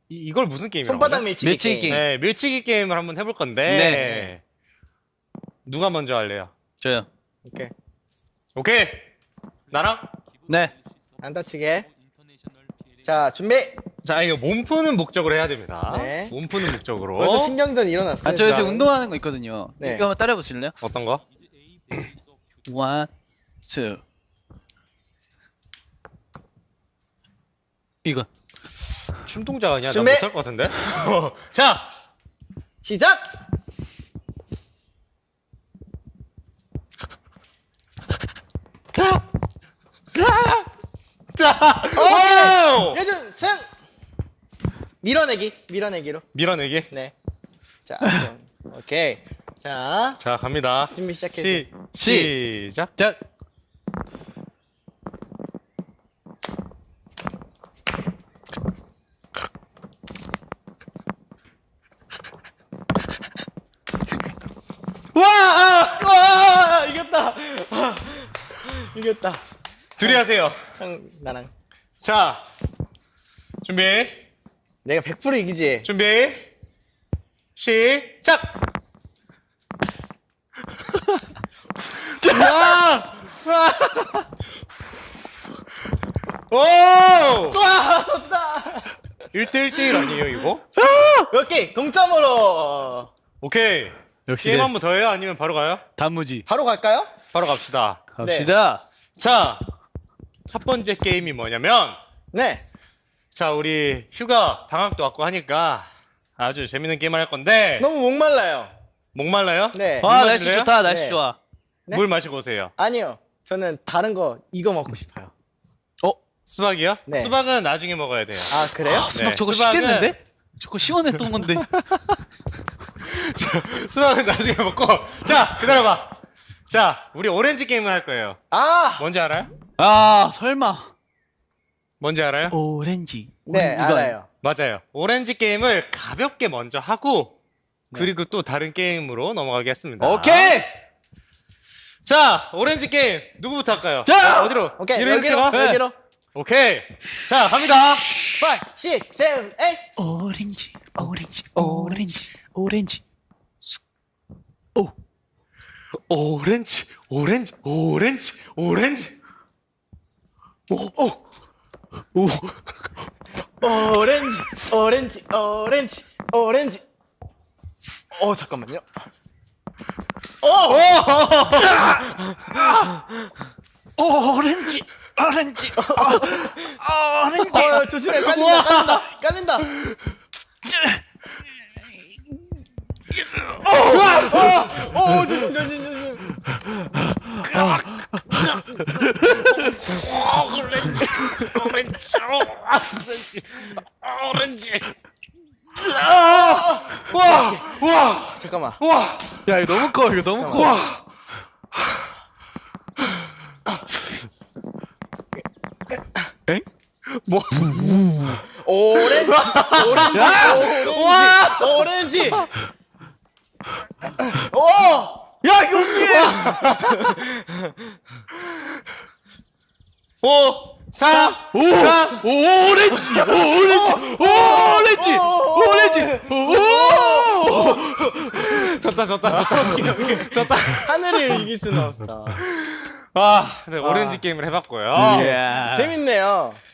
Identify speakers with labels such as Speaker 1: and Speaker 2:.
Speaker 1: 이걸 무슨 게임이라고
Speaker 2: 손바닥
Speaker 1: 하죠?
Speaker 2: 밀치기,
Speaker 3: 밀치기
Speaker 2: 게임.
Speaker 1: 네, 밀치기 게임을 한번 해볼 건데 누가 먼저 할래요?
Speaker 3: 저요.
Speaker 2: 오케이.
Speaker 1: 오케이! 나랑?
Speaker 3: 네.
Speaker 2: 안 다치게. 자, 준비.
Speaker 1: 자, 이거 몸 푸는 목적으로 해야 됩니다.
Speaker 2: 네.
Speaker 1: 몸 푸는 목적으로.
Speaker 2: 벌써 신경전 일어났어요.
Speaker 3: 저 요새
Speaker 2: 자,
Speaker 3: 운동하는 거 있거든요.
Speaker 2: 네.
Speaker 3: 이거 한번 따라해 보실래요?
Speaker 1: 어떤 거?
Speaker 3: 원, 투. 이거.
Speaker 1: 춤동작 아니야? 난
Speaker 2: 준비!
Speaker 1: 못할 것 같은데? 자!
Speaker 2: 시작.
Speaker 1: 자!
Speaker 2: 오케이.
Speaker 1: 오!
Speaker 2: 예준 승. 밀어내기로.
Speaker 1: 밀어내기.
Speaker 2: 네. 자, 오케이. 자,
Speaker 1: 자, 갑니다.
Speaker 2: 준비 시작해.
Speaker 1: 시작.
Speaker 3: 자.
Speaker 2: 와, 이겼다. 이겼다.
Speaker 1: 둘이 하세요.
Speaker 2: 형, 나랑.
Speaker 1: 자, 준비.
Speaker 2: 내가 100% 이기지.
Speaker 1: 준비. 시작. 와! 오!
Speaker 2: 와, 졌다.
Speaker 1: 1대1 아니에요, 이거?
Speaker 2: 오케이, 동점으로.
Speaker 1: 오케이.
Speaker 3: 역시
Speaker 1: 게임
Speaker 3: 네.
Speaker 1: 한 번 더 해요? 아니면 바로 가요?
Speaker 3: 단무지.
Speaker 2: 바로 갈까요?
Speaker 1: 바로 갑시다.
Speaker 3: 갑시다.
Speaker 1: 자, 첫 번째 게임이 뭐냐면,
Speaker 2: 네.
Speaker 1: 자, 우리 휴가 방학도 왔고 하니까 아주 재밌는 게임을 할 건데,
Speaker 2: 너무 목말라요.
Speaker 1: 목말라요?
Speaker 2: 네.
Speaker 3: 와,
Speaker 1: 물
Speaker 3: 날씨
Speaker 1: 마실래요?
Speaker 3: 좋다. 날씨
Speaker 2: 네.
Speaker 3: 좋아.
Speaker 2: 네?
Speaker 1: 물 마시고 오세요.
Speaker 2: 아니요. 저는 다른 거 이거 먹고 싶어요.
Speaker 1: 수박이요?
Speaker 2: 네.
Speaker 1: 수박은 나중에 먹어야 돼요.
Speaker 2: 아, 그래요?
Speaker 3: 수박
Speaker 1: 네,
Speaker 3: 저거
Speaker 1: 수박은-
Speaker 3: 식겠는데? 저거 시원했던 건데.
Speaker 1: 수박은 나중에 먹고. 자, 기다려봐. 자, 우리 오렌지 게임을 할 거예요.
Speaker 2: 아,
Speaker 1: 뭔지 알아요?
Speaker 3: 아, 설마.
Speaker 1: 뭔지 알아요?
Speaker 3: 오렌지.
Speaker 2: 네,
Speaker 3: 이거
Speaker 2: 알아요.
Speaker 1: 맞아요. 오렌지 게임을 가볍게 먼저 하고, 그리고 또 다른 게임으로 넘어가겠습니다.
Speaker 3: 오케이.
Speaker 1: 자, 오렌지 게임 누구부터 할까요?
Speaker 3: 자!
Speaker 1: 어디로?
Speaker 2: 오케이,
Speaker 1: 이렇게
Speaker 2: 여기로,
Speaker 1: 가?
Speaker 2: 여기로.
Speaker 1: 오케이. 자, 갑니다.
Speaker 2: 5, 6, 7, 8.
Speaker 3: 오렌지, 오렌지, 오렌지, 오렌지. 오.
Speaker 1: 오렌지, 오렌지, 오렌지, 오렌지.
Speaker 2: 오렌지, 오렌지, 오렌지, 오렌지. 잠깐만요.
Speaker 3: 오렌지, 오렌지, 오렌지.
Speaker 2: 조심해, 깔린다. 조심.
Speaker 1: 오렌지, 오렌지, 오렌지, 오렌지.
Speaker 2: 잠깐만.
Speaker 1: 와,
Speaker 3: 야, 이거 너무 커. 이거 너무 커.
Speaker 1: 와.
Speaker 3: 엥?
Speaker 1: 뭐?
Speaker 2: 오렌지. 오!
Speaker 3: 야, 이거 어떻게?
Speaker 1: 5, 4,
Speaker 3: 오, 오렌지, 오렌지.
Speaker 1: 졌다.
Speaker 2: 하늘을 이길 수는 없어.
Speaker 1: 아, 네, 오렌지 게임을 해봤고요.
Speaker 3: 이야.
Speaker 2: 재밌네요.